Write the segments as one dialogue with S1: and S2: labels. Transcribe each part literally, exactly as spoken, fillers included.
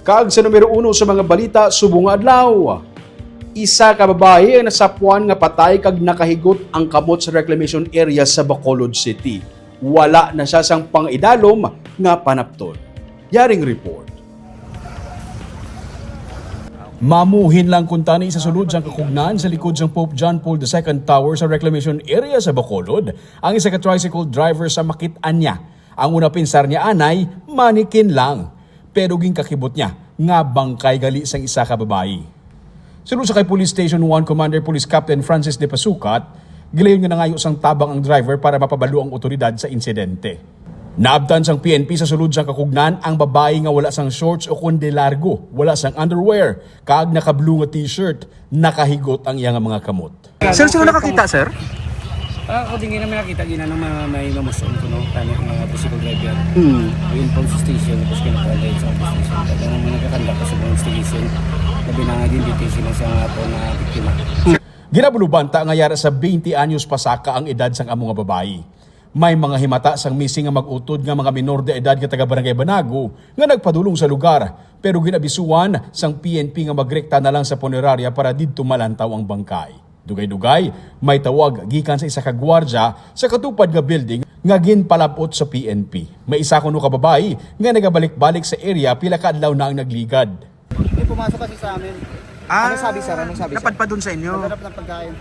S1: Kag sa numero uno sa mga balita subong nga adlaw. Isa ka babae ang nasapuan nga patay kag nakahigot ang kamot sa reclamation area sa Bacolod City. Wala na siya sang pang-idalom nga panapton. Yaring report. Mamuhin lang kuntani sa sulod sang kakugnan sa likod sang Pope John Paul the Second Tower sa reclamation area sa Bacolod, ang isa ka tricycle driver sa makit-an niya. Ang una pinsar niya anay, manikin lang. Pero ging kakibot niya, nga bangkay gali sang isa ka babae. Sulod sa kay Police Station one Commander Police Captain Francis De Pasukat, gilayon nga nangayo sang tabang ang driver para mapabalo ang otoridad sa insidente. Naabtan sang P N P sa sulod sang kakugnan ang babae nga wala sang shorts o kundi largo, wala sang underwear, kag naka-blue nga t-shirt, nakahigot ang iyang mga kamot.
S2: Sir, sino nakakita, sir?
S3: Ah, ako din namin nakita gina ng mga may mamuson ko no, kami mga bicycle driver.
S2: Hmm.
S3: Ayun po sa station, tapos kinapalay sa station. Kaya naman nagkakanda ko sa mga station, labi na nga din dito sila sa mga po na biktima.
S1: Ginabulubanta nga yara sa twenty anyos pasaka ang edad sang amo nga babae. May mga himata sang missing nga mag-utod nga mga minor de edad nga taga Barangay Banago nga nagpadulong sa lugar, pero ginabisuan sang P N P nga magrekta na lang sa punerarya para didto malantaw ang bangkay. Dugay-dugay, may tawag gikan sa isa ka gwardya sa katupad nga building nga ginpalabot sa P N P. May isa kuno ka babae nga nagabalik-balik sa area pila ka adlaw na ang nagligad.
S4: May pumasok kasi sa amin.
S2: Ah,
S4: Anong sabi, sir? Anong sabi, sir?
S2: napadpad dun sa inyo.
S4: Naghanap ng pagkain.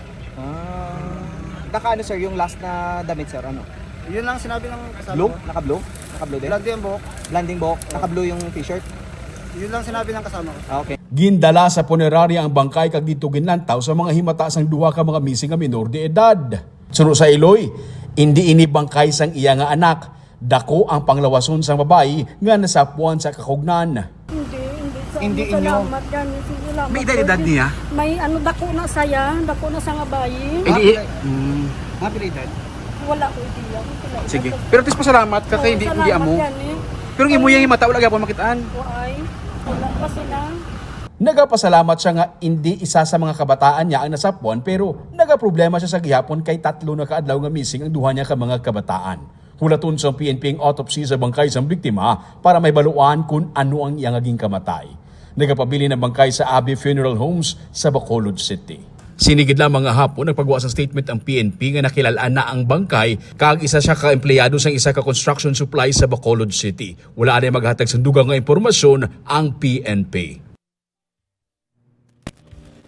S2: Ah.
S4: Naka ano, sir, yung last na damit, sir, ano? Yun lang sinabi ng kasama
S2: Blue?
S4: ko. Naka-blue? Naka-blue din?
S3: Lagi ang buhok.
S4: Blending buhok? Naka-blue yung t-shirt?
S3: Yun lang sinabi ng kasama ko.
S4: Ah, okay.
S1: Gindala sa punerarya ang bangkay kag dito ginlantaw sa mga himata sang duha ka mga missing nga minor de edad. Suno sa Iloy, hindi ini bangkay sang iya nga anak. Dako ang panglawason sang babae nga nasapuan sa kakugnan.
S5: Hindi, hindi. Sa
S4: Hindi
S5: hindi
S4: inyo.
S5: salamat yan. Salamat
S2: May edad-edad
S5: Lord.
S2: niya?
S5: May ano, dako na saya. Dako na sa nga bayi.
S2: Hindi.
S4: Ah,
S2: Hmm.
S4: Mga pilidad?
S5: Wala ko idea. Wala ko
S2: Sige.
S5: idea.
S2: Pero tis pasalamat ka kay
S5: Oo,
S2: hindi
S5: salamat
S2: hindi amo.
S5: yan, eh.
S2: Pero imo yung mata wala gyapon makitaan.
S5: Why? Wala pa sila.
S1: Nagapasalamat siya nga hindi isa sa mga kabataan niya ang nasapuan pero nagaproblema siya sa gihapon kay tatlo na kaadlaw nga missing ang duha niya ka mga kabataan. Hulaton sa P N P ang autopsy sa bangkay sa biktima para may baluan kung ano ang iyang naging kamatay. Nagapabili ng bangkay sa Abbey Funeral Homes sa Bacolod City. Sinigid lamang nga hapon nagpagawa sa statement ang P N P nga nakilalaan na ang bangkay kag isa siya ka empleyado sa isa ka construction supply sa Bacolod City. Wala na maghatag sa dugang nga impormasyon ang P N P.